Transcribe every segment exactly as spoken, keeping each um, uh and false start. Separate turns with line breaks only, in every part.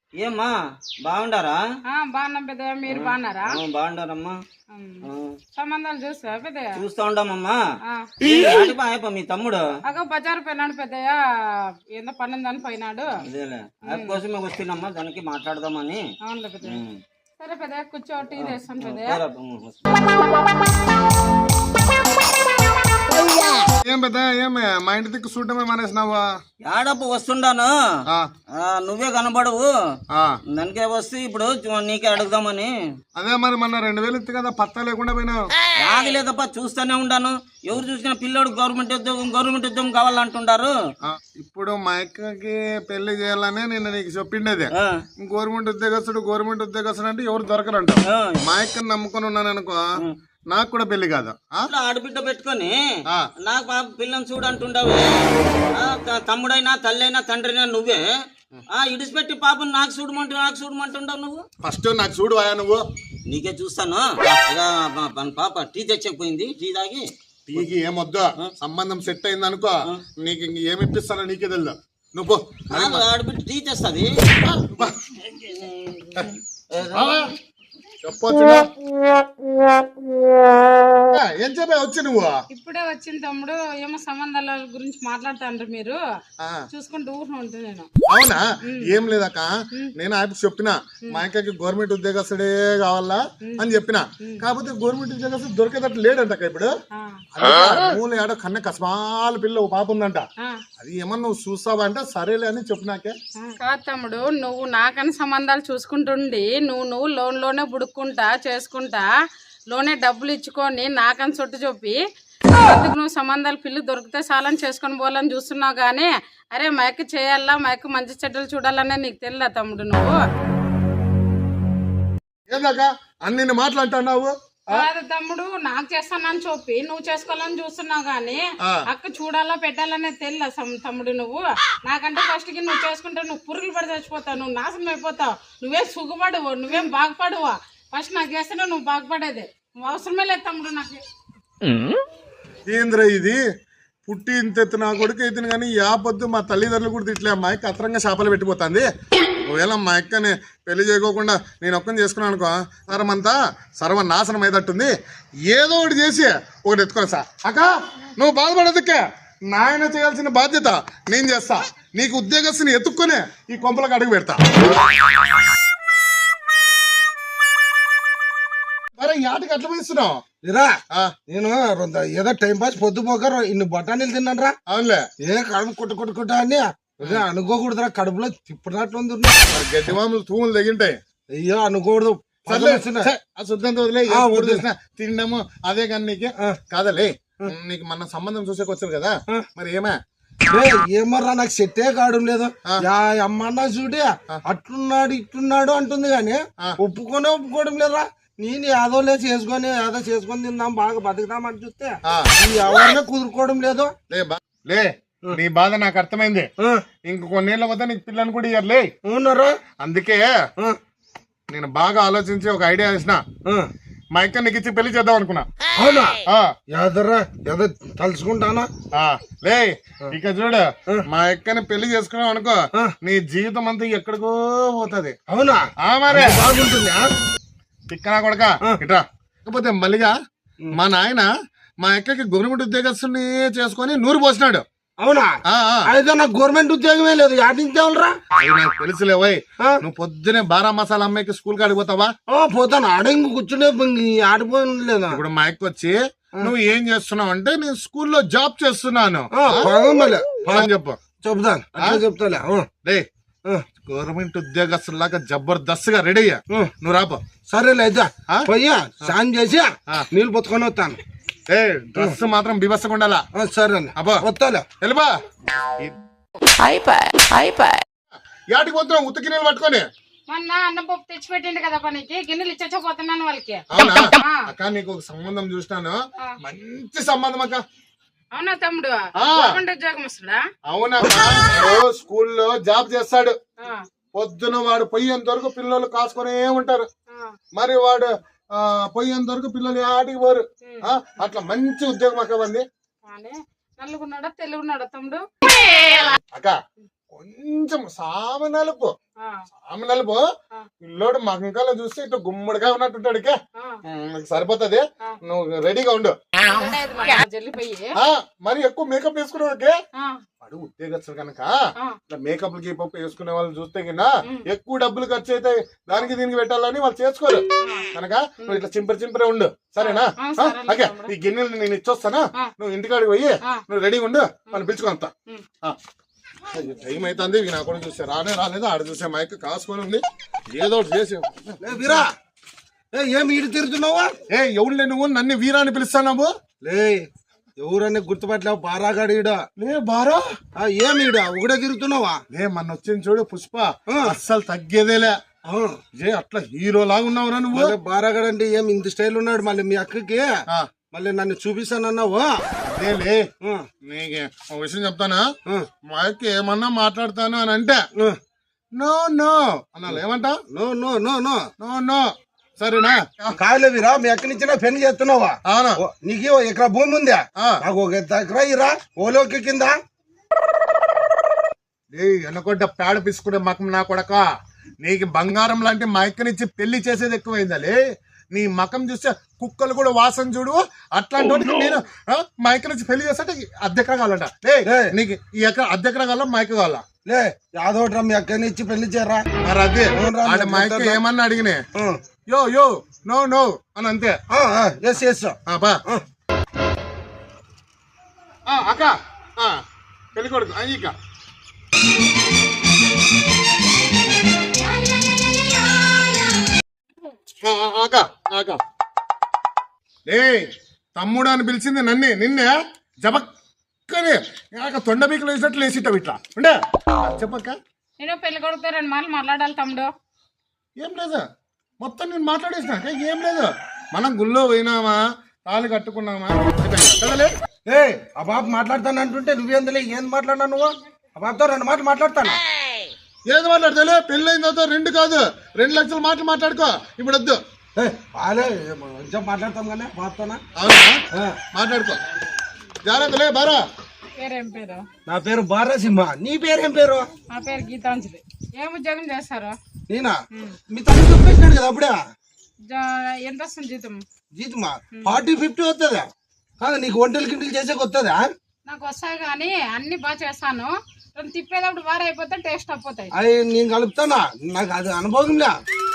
ఏమ్మా బాగుండారా?
బాగున్నాం పెద్దయ్య, మీరు బాగున్నారా?
బాగుండారమ్మా.
సంబంధాలు చూస్తా పెద్దయ్య?
చూస్తా ఉండమ్మా. మీ తమ్ముడు
అగో బజారు పోయినాడు పెద్దయ్య, ఏందో పన్నెందని పోయినాడు.
అదేలే అది కోసమే వస్తున్నామ్మా, దానికి మాట్లాడదామని.
అవునులే పెద్దయ్య. సరే పెద్దయ్య కూర్చో, టీ చేస్తాను పెద్దయ్య.
ఏం పెద్ద ఏం మా ఇంటి దిక్కు చూడటమే మానేసినావా?
ఏడప్పు వస్తుండాను, నువ్వే కనబడవు. దానికే వస్తే ఇప్పుడు నీకే అడుగుదామని.
అదే మరి మొన్న రెండు వేలు ఇస్తే కదా పత్తా లేకుండా పోయినావు.
ఆగలేదప్ప, చూస్తూనే ఉండాను. ఎవరు చూసినా పిల్లోడు గవర్నమెంట్ ఉద్యోగం గవర్నమెంట్ ఉద్యోగం కావాలంటుండారు.
ఇప్పుడు మా అక్కకి పెళ్లి చేయాలనే నేను నీకు చెప్పిండేది. గవర్నమెంట్ ఉద్యోగస్తుడు గవర్నమెంట్ ఉద్యోగస్తుడు అంటే ఎవరు దొరకరంట. మా అక్కని నమ్ముకొని ఉన్నాను అనుకో, నాకు కూడా పెళ్లి కాదు.
ఆడబిడ్డ పెట్టుకొని నాకు పిల్లని చూడంటుండవు. తమ్ముడైనా తల్లైనా తండ్రైనా నువ్వే ఇడిచిపెట్టి పాపను నాకు చూడమంటు నాకు చూడమంటుండవు. నువ్వు
ఫస్ట్ నాకు చూడు ఆయా, నువ్వు
నీకే చూస్తాను. పాప టీ తెచ్చకపోయింది, టీ తాగి.
టీకి ఏమొద్దు, సంబంధం సెట్ అయింది అనుకో, నీకు ఇంక ఏమి ఇప్పిస్తానో నీకే తెలుదు. నువ్వు
ఆడబిడ్డ టీ తెస్తుంది.
చెప్పొచ్చు ఏం చెప్పా వచ్చి నువ్వు?
ఇప్పుడే వచ్చింది తమ్ముడు. ఏమో సంబంధాల గురించి మాట్లాడుతాండ్రు మీరు, చూసుకుంటూ ఊరు ఉంటుంది. నేను
అవునా? ఏం లేదక్క, నేను ఆయన చెప్పిన మా అక్కకి గవర్నమెంట్ ఉద్యోగస్తుడే కావాలా అని చెప్పిన. కాకపోతే గవర్నమెంట్ ఉద్యోగస్తుడు దొరికేటట్టు లేడంట ఇప్పుడు. మూల ఏడో కన్న కస్మాల పిల్ల ఓ పాప ఉందంట. అది ఏమన్నా నువ్వు చూస్తావా అంటే సరేలే అని చెప్పినాకే.
కాదు తమ్ముడు, నువ్వు నాకని సంబంధాలు చూసుకుంటుండి నువ్వు నువ్వు లోన్ లోనే బుడుక్కుంటా చేసుకుంటా లోనే డబ్బులు ఇచ్చుకొని నాకని చుట్టు చెప్పి అందుకు నువ్వు సంబంధాలు పిల్లి దొరికితే చాలని చేసుకొని పోవాలని చూస్తున్నావు. కానీ అరే మైక్ చేయాలా, మైక్ మంచి చెడ్డలు చూడాలనే నీకు తెలియదా తమ్ముడు? నువ్వు
ఏందాక అన్ని మాట్లాడుతున్నావు?
కాదు తమ్ముడు, నాకు చేస్తానని చెప్పి నువ్వు చేసుకోవాలని చూస్తున్నావు. గానీ అక్క చూడాలా పెట్టాలనే తెలియదా తమ్ముడు? నువ్వు నాకంటే ఫస్ట్ కి నువ్వు చేసుకుంటే నువ్వు పురుగులు పడి చచ్చిపోతావు, నువ్వు నాశనం అయిపోతావు. నువ్వేం సుఖపడవు, నువ్వేం బాగుపడవా? ఫస్ట్ నాకు చేస్తేనే నువ్వు బాగుపడేది. నువ్వు అవసరమే లేదు తమ్ముడు నాకు.
ఏంద్ర ఇది పుట్టి ఇంత నా కొడుకు అయితే కానీ యాపొద్దు మా తల్లిదండ్రులు కూడా తిట్లే. మా అక్క అత్తరంగా చేపలు పెట్టిపోతుంది. ఒకవేళ మా అక్కని పెళ్లి చేయకోకుండా నేను ఒక్కని చేసుకున్నాను అనుకో, సరమంతా సర్వనాశనం అయ్యేటట్టుంది. ఏదో ఒకటి చేసి ఒకటి ఎత్తుకోవాలి సార్. అక్క నువ్వు బాధపడదుకే, నాయన చేయాల్సిన బాధ్యత నేను చేస్తా. నీకు ఉద్యోగస్తుని ఎత్తుక్కొని ఈ కొంపలకు అడుగు పెడతా. అరే యాటికి అట్లా పోయిస్తున్నావు?
నేను ఏదో టైం పాస్ పొద్దుపోక ఇన్ని బఠానీలు తిన్నాను రా.
అవునులే,
ఏ కడుపు కొట్టు కొట్టుకుంటా అని అనుకోకూడదురా, కడుపులో తిప్పనట్లుంది.
గడ్డి మామూలు తూములు తగ్గింటాయి.
అయ్యో అనుకోకూడదు,
తినడము అదే కానీ నీకు కాదలే. నీకు మన సంబంధం చూసేకి వచ్చారు కదా, మరి ఏమా
ఏమర్రా నాకు సెట్టే కావడం లేదు. అమ్మన్నా చూడి అట్లున్నాడు ఇట్లున్నాడు అంటుంది గాని ఒప్పుకొనే ఒప్పుకోవడం లేదురా. నేను యాదోలే చేసుకొని యాదో చేసుకొని తిందాం బాగా బతుకుదాం అని చూస్తే ఎవరినే కుదురుకోవడం లేదు.
లే నీ బాధ నాకు అర్థమైంది. ఇంక కొన్నేళ్ళ వద్ద నీకు పిల్లని కూడా ఇయ్యర్లే.
అవునరా?
అందుకే నేను బాగా ఆలోచించి ఒక ఐడియా వేసిన. మా అక్క నీకు ఇచ్చి పెళ్లి చేద్దాం అనుకున్నా.
అవునా? యాదర్రా ఏదో తలుచుకుంటానా?
లే ఇక చూడు, మా అక్కని పెళ్లి చేసుకున్నావు అనుకో, నీ జీవితం అంతా ఎక్కడికో పోతుంది.
అవునా?
మరే
బాగుంటుంది.
తిక్కనా కొడక ఇట్రా. కాకపోతే మళ్ళీగా మా నాయన మా అక్కకి గవర్నమెంట్ ఉద్యోగస్తుని చేసుకొని నూరు పోసినాడు.
అవునా? అయితే నాకు గవర్నమెంట్ ఉద్యోగమే లేదు, ఆడించాలరా?
నాకు తెలుసులేవయ్, నువ్వు పొద్దునే బారా మసాలా అమ్మాయికి స్కూల్ కి ఆడిపోతావా?
పోతాను, ఆడ ఇంక కూర్చునే ఆడిపోలేదు.
ఇప్పుడు మా అక్క వచ్చి నువ్వు ఏం చేస్తున్నావు అంటే నేను స్కూల్లో జాబ్ చేస్తున్నాను చెప్పు.
చెప్తాను, చెప్తాలే.
గవర్నమెంట్ ఉద్యోగస్తులాగా జబర్దస్త్ గా రెడీ అయ్యా, నువ్వు రాపో.
సరేలే అయితే పోయా స్నానం చేసి నీళ్ళు పొత్తుకొని వస్తాను.
ఏ డ్రెస్ మాత్రం బిభత్సంగా ఉండాలా?
సరే అబ్బా వస్తాలే.
వెళ్ళబా. యాటికి పోతున్నావు ఉత్తి గిన్నెలు పట్టుకొని?
మొన్న అన్నం పప్పు తెచ్చి పెట్టిండు కదా పనికి, గిన్నెలు ఇచ్చపోతున్నాను వాళ్ళకి.
అక్క నీకు ఒక సంబంధం చూసినాను, మంచి సంబంధం అక్క.
అవునా తమ్ముడు? గవర్నమెంట్ ఉద్యోగం వస్తుందా?
అవునా? స్కూల్లో జాబ్ చేస్తాడు. పొద్దున వాడు పోయేంత వరకు పిల్లలు కాసుకొనే ఉంటారు. మరి వాడు పోయేంత వరకు పిల్లలు ఆటికి పోరు. అట్లా మంచి ఉద్యోగం అక్క. వంది
నల్లుగున్నాడా తెలుగున్నాడా తమ్ముడు?
అక్క కొంచెం సామె నలుపు
ఆ,
సామె నలుపు
ఆ.
పిల్లోడు మగంకాలో చూస్తే ఇటు గుమ్మడిగా ఉన్నట్టుంటాడు ఇక.
ఆ.
ఉమ్, నీకు సరిపోతుంది.
ఆ.
నువ్వు రెడీగా ఉండు.
రెడీ అయ్యేది మరి ఆ జల్లిపోయి
ఆ మరి ఎక్కువ మేకప్ వేసుకునే
ఆ,
వాడు ఉద్యోగస్తులు కనుక
ఆ.
ఇట్లా మేకప్ గీపప్ వేసుకునే వాళ్ళు చూస్తే కింద
ఉమ్.
ఎక్కువ డబ్బులు ఖర్చు అయితే దానికి దీనికి పెట్టాలని వాళ్ళు చేసుకోరు కనుక నువ్వు ఇట్లా చింపరి చింపరే ఉండు సరేనా?
ఆ,
ఆ,
సరేలే
ఓకే
తమ్ముడు.
ఈ గిన్నెలు నేను ఇచ్చొస్తానా?
ఆ.
నువ్వు ఇంటికాడికి పోయి
ఆ.
నువ్వు రెడీగా ఉండు మనం పిలుచుకుంటా.
ఉమ్.
టైం అవుతుంది ఇక నా కూడా చూసే రానే రాలేదు ఆడ చూసే మైక్ కాసుకొని ఉంది ఏదో ఒకటి చేసి
లే వీరా, ఏ ఏం ఈడు తిరుగుతున్నావా?
ఏ ఎవరులే నువ్వు నన్ను వీరా అని పిలుస్తావు?
లే ఎవరన్నా గుర్తుపట్టలేవు బారాగాడు ఈడ.
లే బారా
ఆ, ఏం ఈడ ఒకడే తిరుగుతున్నావా?
లే మొన్న వచ్చింది చూడు పుష్ప
ఆ.
అస్సలు తగ్గేదేలే.
ఆ,
ఏ అట్లా హీరో లాగా ఉన్నావురా నువ్వు.
మళ్ళీ బారాగాడు అంటే ఏం ఇంత స్టైల్ ఉన్నాడు. మళ్ళీ మీ అక్కకి
ఆ,
మళ్ళీ నన్ను చూపిస్తానన్నావు.
అదేలే
ఆ,
నీకు ఒక విషయం చెప్తానా?
ఆ,
మా అక్క ఏమన్నా మాట్లాడతాను అని అంటే
ఆ.
నో నో అన్నాను. ఏమంటా?
No no no no
no no సరేనా?
కాదులే వీరా, మీ అక్కడి నుంచి పెళ్లి చేస్తున్నావా?
అవునా?
ఓ, నీకు ఓ ఎకరా భూమి ఉందా?
ఆ.
నాకు ఒక ఎకరా ఇరా ఓలోకి కింద.
ఏ ఎనకొడ్డ పేడ పిసుకునే మకం నా కొడక, నీకు బంగారం లాంటి మా అక్కనిచ్చి పెళ్లి చేసేది ఎక్కువైందలే. నీ మకం చూస్తే కుక్కలు కూడా వాసన చూడు. అట్లాంటి వాటికి నేను ఆ, మా అక్కనిచ్చి పెళ్లి చేస్తే అద్దెకరా కావాలంట. లే
ఏయ్.
నీకు ఈ ఎకరా అద్దెకరా కావాలా మా అక్క కావాలా?
లే యాదోట్రా మీ అక్కని ఇచ్చి పెళ్లి చేయరా.
మరి అదే
అవునురా,
ఆడ మా అక్క
చెప్తాను.
ఏమన్నా అడిగినే యో యో నో నో అని అంతే.
ఎస్ ఎస్
ఆ, బా ఆ, అక్క ఆ, పెళ్లి కొడుకు అయ్యిక అక్క అక్క ఏ తమ్ముడు అని పిలిచింది నన్నే నిన్నే జబక్కనే తొండ బీకలు వేసినట్లు వేసిట్టావు ఇట్లా ఉండే చెప్పక్క.
నేను పెళ్లి కొడుకుతో రెండు మాటలు మాట్లాడాలి తమ్ముడు.
ఏం లేదు మొత్తం నేను మాట్లాడేసినాక ఏం లేదు. మనం గుళ్ళో పోయినామా తాళి కట్టుకున్నామా కదలే.
ఏ ఆ బాబు మాట్లాడతాను అంటుంటే నువ్వేందులే ఏం మాట్లాడినా నువ్వు? ఆ బాబుతో రెండు మాటలు మాట్లాడతాను.
ఏది మాట్లాడతాలే? పెళ్ళైన తర్వాత రెండు కాదు రెండు లక్షల మాటలు మాట్లాడుకో ఇప్పుడు వద్దు.
ఏ బాలే కొంచెం మాట్లాడతాం కానీ బాబుతోనా?
అవునా? మాట్లాడుకో జాగ్రత్తలే బారా.
పేరేం పేరు?
నా పేరు బారాసింహ. నీ పేరేం పేరు?
నా పేరు గీతాంజలి. ఏం ఉద్యోగం చేస్తారు?
నేనా? మీ తమ్ముడు చెప్పేసినాడు కదా అప్పుడే.
జా- ఎంత వస్తుంది జీతం?
జీతమా ఫార్టీ ఫిఫ్టీ వస్తుందా? కాదు నీకు వంటలు గింటలు చేసేకి వస్తుందా?
నాకు వస్తాయి కానీ అన్ని బాగా చేస్తాను. రెండు తిప్పేటప్పుడు బాగా అయిపోతే టేస్ట్ అయిపోతాయి.
అవి నేను కలుపుతానా? నాకు అది అనుభవంలే.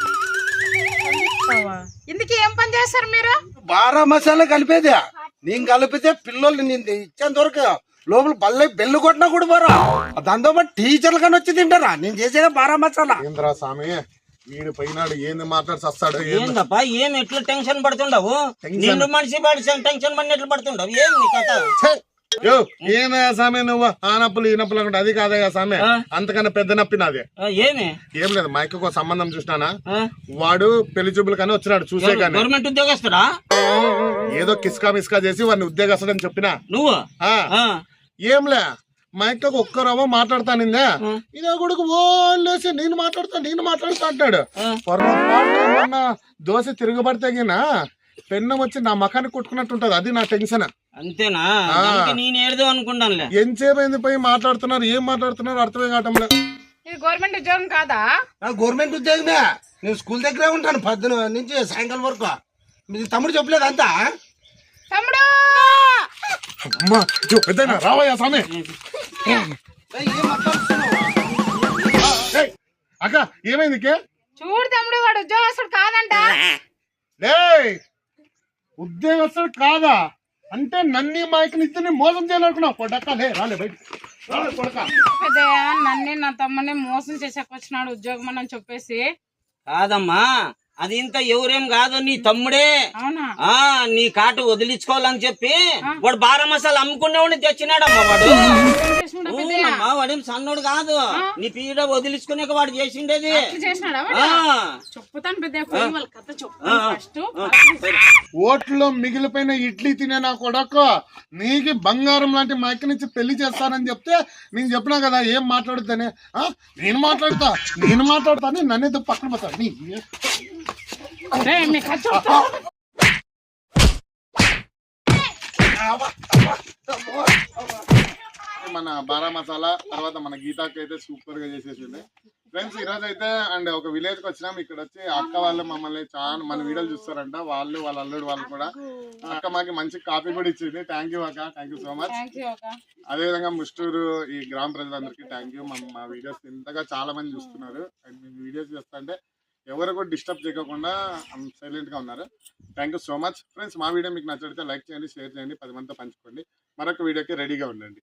ఇందుకు ఏం పని చేస్తారు మీరు?
బారా మసాలా కలిపేదే. నేను కలిపితే పిల్లలు నేను ఇచ్చేంత వరకు లోపల బల్ల బెల్లు కొట్టినా కూడా బారా. దాంతో పాటు టీచర్లు కానీ వచ్చి తింటారా నేను చేసేదే బారా మసాలా.
ఏంద్రా స్వామి వీడు పోయినాడు ఏంది మాట్లాడి వస్తాడు.
ఏందప్పా ఏం ఎట్లా టెన్షన్ పడుతుండవు? నిన్ను మనిషి పడి టెన్షన్ పడిన ఎట్లా పడుతుండవు? ఏం నీ కథ?
ఏమయ్యా స్వామి నువ్వు ఆ నప్పులు ఈ నప్పులు అనుకుంటే అది కాదయ్యా స్వామి.
ఆ.
అంతకన్నా పెద్ద నప్పి నాది.
ఆ, ఏమి
ఏం లేదు మా అక్కకు ఒక సంబంధం చూసినానా.
ఆ?
వాడు పెళ్లి చూపులు కానీ వచ్చినాడు చూసే కానీ
గవర్నమెంట్ ఉద్యోగస్తుడా
ఏదో కిస్కా మిస్కా చేసి వాడిని ఉద్యోగస్తుడని చెప్పినా.
నువ్వు?
ఆ,
ఆ,
ఏంలే మా అక్కకు ఒక్కరవ్వ మాట్లాడతానిందే.
ఆ.
ఇదే కొడుకు ఓలేసి నేను మాట్లాడతా నేను మాట్లాడుతా అంటాడు.
ఆ.
పొరపాటు మొన్న దోశ తిరుగుబడితే గినా పెన్నం వచ్చి నా మకానికి కొట్టుకున్నట్టుంటది. అది నా టెన్షన్.
అంతేనా?
ఆ.
దానికి నేను ఏడదో అనుకుంటానులే.
ఎంతసేపు పోయి మాట్లాడుతున్నారు ఏం మాట్లాడుతున్నారు అర్థమే కావటంలే.
ఇది గవర్నమెంట్ ఉద్యోగం కాదా?
నాకు గవర్నమెంట్ ఉద్యోగమే. నేను స్కూల్ దగ్గరే ఉంటాను పొద్దున నుంచి సాయంకాలం వరకు. మీ తమ్ముడు చెప్పలేదు అంతా?
తమ్ముడు
అమ్మా ఇదిగో పెద్దయినా రావయ్యా స్వామి.
ఏయ్, ఏం మాట్లాడుతున్నావు?
ఏయ్, అక్క ఏమైంది కే?
చూడు తమ్ముడు, వాడు ఉద్యోగస్తుడు కాదంట.
ఏయ్ ఉద్యోగస్తుడు కాదా అంటే నన్ను మైకి ఇస్తే మోసం చేయాలనుకున్నావు. పొడక్క లే రాలే బయట రాలే పొడక.
పెద్దయ్య నన్ను నా తమ్ముని మోసం చేసాకొచ్చినాడు ఉద్యోగం అని చెప్పేసి.
కాదమ్మా అది ఇంత ఎవరేం కాదు నీ తమ్ముడే.
అవునా?
ఆ నీ కాటు వదిలించుకోవాలని చెప్పి వాడు బారా మసాలా అమ్ముకునేవాడిని తెచ్చినాడమ్మా వాడు.
ఏం చేసినాడు పెద్దయ్య?
అవునమ్మా, వాడేం సన్నోడు కాదు. నీ పీడ వదిలించుకునే వాడు చేసిండేది.
అట్లా చేసినాడా వాడు?
ఆ,
చెప్పుతాను పెద్దయ్య, పోయి వాళ్ళ కథ చెప్తాను
ఆ,
ఫస్ట్.
ఓట్లో మిగిలిపోయిన ఇడ్లీ తినే నా కొడక నీకు బంగారం లాంటి మా అక్క నుంచి పెళ్లి చేస్తానని చెప్తే నేను చెప్పినా కదా ఏం మాట్లాడుతానే. నేను మాట్లాడతా నేను మాట్లాడతా అని నన్ను ఎందుకు పక్కన పోతాను నీ
రేయ్, మీ కథ చెప్తా.
మన బారా మసాలా తర్వాత మన గీతాకి అయితే సూపర్ గా చేసేసింది ఫ్రెండ్స్. ఈ రోజు అయితే అండ్ ఒక విలేజ్ కి వచ్చినాం. ఇక్కడ వచ్చి అక్క వాళ్ళు మమ్మల్ని చాలా మన వీడియోలు చూస్తారంట, వాళ్ళు వాళ్ళ అల్లుడు వాళ్ళు కూడా. అక్క మాకి మంచి కాఫీ కూడా ఇచ్చింది. థ్యాంక్ యూ అక్క, థ్యాంక్ యూ సో మచ్. అదే విధంగా ముస్టూరు ఈ గ్రామ ప్రజలందరికీ థ్యాంక్ యూ. మా వీడియోస్ ఇంతగా చాలా మంది చూస్తున్నారు అండ్ మీ వీడియోస్ చూస్తా అంటే ఎవరు కూడా డిస్టర్బ్ చేయకుండా సైలెంట్ గా ఉన్నారు. Thank you so much friends. మా వీడియో మీకు నచ్చితే లైక్ చేయండి, షేర్ చేయండి, పది మందితో పంచుకోండి. మరొక వీడియోకి రెడీగా ఉండండి.